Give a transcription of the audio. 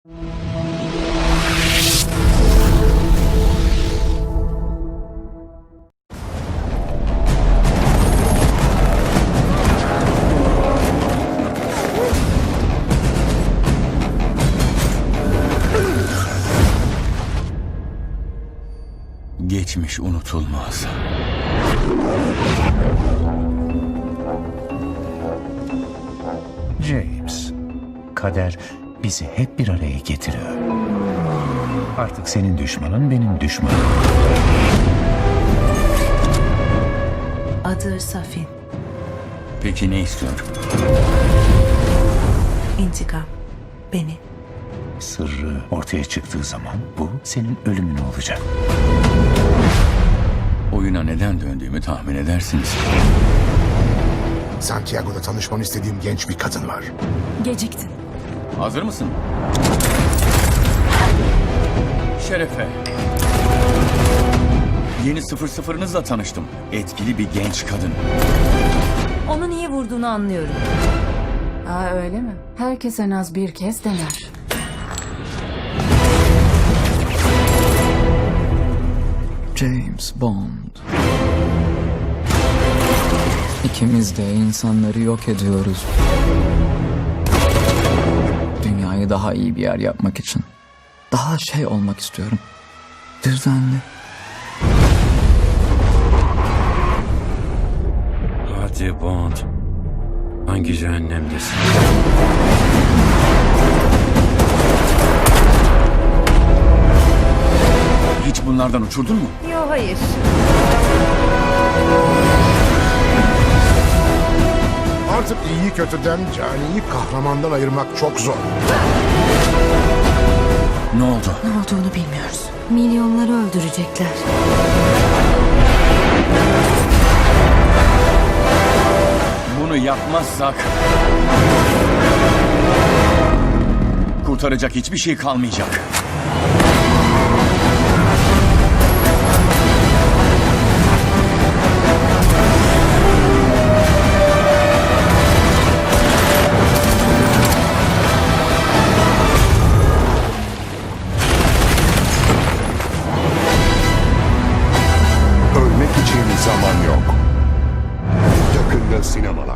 Geçmiş unutulmaz. James, kader bizi hep bir araya getiriyor. Artık senin düşmanın benim düşmanım. Adı Safin. Peki ne istiyor? İntikam. Beni. Sırrı ortaya çıktığı zaman bu senin ölümün olacak. Oyuna neden döndüğümü tahmin edersiniz. Santiago'da tanışmanı istediğim genç bir kadın var. Geciktin. Hazır mısın? Şerefe. Yeni 00'nızla tanıştım. Etkili bir genç kadın. Onu niye vurduğunu anlıyorum. Aa öyle mi? Herkes en az bir kez dener. James Bond. İkimiz de insanları yok ediyoruz. Dünyayı daha iyi bir yer yapmak için. Daha şey olmak istiyorum. Düzenli. Hadi Bond. Hangi cehennemdesin? Hiç bunlardan uçurdun mu? Yo, hayır. Artık iyiyi kötüden, caniyi kahramandan ayırmak çok zor. Ne oldu? Ne olduğunu bilmiyoruz. Milyonları öldürecekler. Bunu yapmazsak... kurtaracak hiçbir şey kalmayacak. Ölmek için zaman yok. Yakında sinema.